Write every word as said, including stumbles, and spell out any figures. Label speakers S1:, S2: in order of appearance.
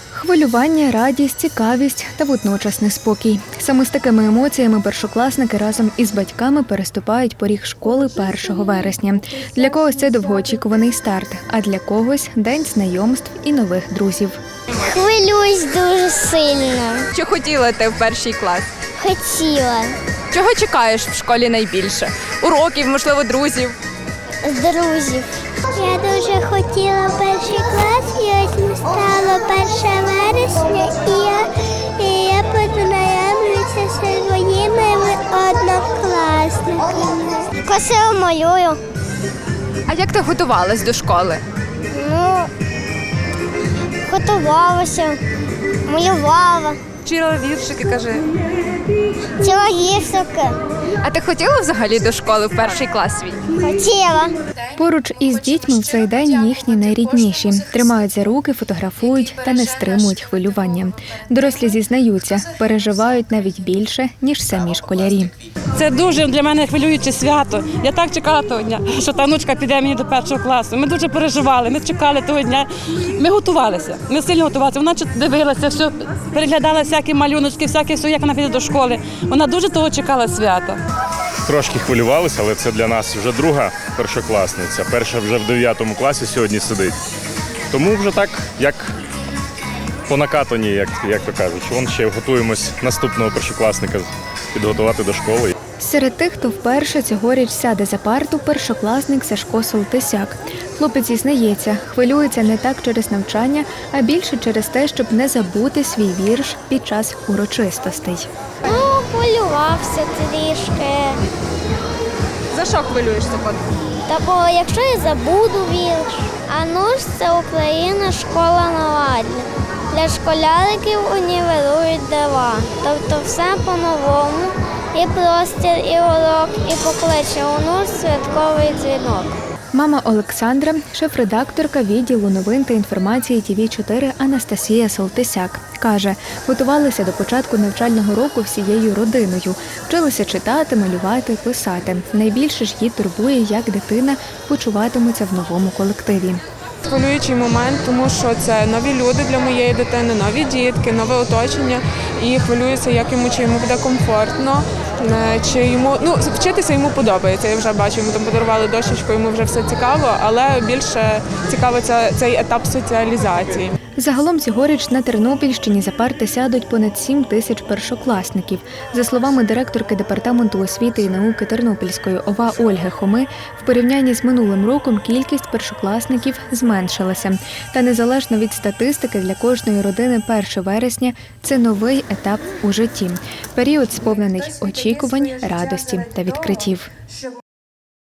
S1: Хвилювання, радість, цікавість та водночас неспокій. Саме з такими емоціями першокласники разом із батьками переступають поріг школи першого вересня. Для когось це довгоочікуваний старт, а для когось – день знайомств і нових друзів.
S2: Хвилююсь дуже сильно.
S3: Чи хотіла ти в перший клас?
S2: Хотіла.
S3: Чого чекаєш в школі найбільше? Уроків, можливо, друзів?
S2: З друзів. Я дуже хотіла в перший клас, і ось настало перше вересня, і я, і я познайомлюся зі своїми однокласниками. Красиво малюю.
S3: А як ти готувалась до школи?
S2: Ну, готувалася, малювала.
S3: Вчила віршики, кажи.
S2: Ціла гірсики.
S3: А ти хотіла взагалі до школи в перший клас свій?
S2: Хотіла.
S1: Поруч із дітьми в цей день їхні найрідніші. Тримають за руки, фотографують та не стримують хвилювання. Дорослі зізнаються, переживають навіть більше, ніж самі школярі.
S4: Це дуже для мене хвилююче свято. Я так чекала того дня, що та внучка піде мені до першого класу. Ми дуже переживали, ми чекали того дня. Ми готувалися, ми сильно готувалися. Вона дивилася, все, переглядала всякі малюночки, всяке все, як вона піде до школи. Вона дуже того чекала свята.
S5: Трошки хвилювалися, але це для нас вже друга першокласниця. Перша вже в дев'ятому класі сьогодні сидить. Тому вже так, як по накатані, як, як то кажуть. Вон ще готуємось наступного першокласника підготувати до школи.
S1: Серед тих, хто вперше цьогоріч сяде за парту, першокласник Сашко Солтисяк. Хлопець зізнається, хвилюється не так через навчання, а більше через те, щоб не забути свій вірш під час урочистостей.
S2: Ну, хвилювався трішки.
S3: За що хвилюєшся, Кот?
S2: Та бо якщо я забуду вірш, а ну ж це Україна, школа наладня. Для школяриків універують дива. Тобто все по-новому, і простір, і урок, і покличе у нуль святковий дзвінок.
S1: Мама Олександра, шеф-редакторка відділу новин та інформації Ті Ві чотири Анастасія Солтисяк. Каже, готувалися до початку навчального року всією родиною. Вчилися читати, малювати, писати. Найбільше ж її турбує, як дитина почуватиметься в новому колективі.
S6: Хвилюючий момент, тому що це нові люди для моєї дитини, нові дітки, нове оточення. І хвилююся, як йому, чи йому буде комфортно, чи йому, ну, вчитися йому подобається. Я вже бачу, йому там подарували дощечку, йому вже все цікаво, але більше цікаво цей етап соціалізації.
S1: Загалом цьогоріч на Тернопільщині за парти сядуть понад сім тисяч першокласників. За словами директорки Департаменту освіти і науки Тернопільської О В А Ольги Хоми, в порівнянні з минулим роком кількість першокласників зменшилася. Та незалежно від статистики, для кожної родини перше вересня – це новий етап у житті. Період сповнений очікувань, радості та відкриттів.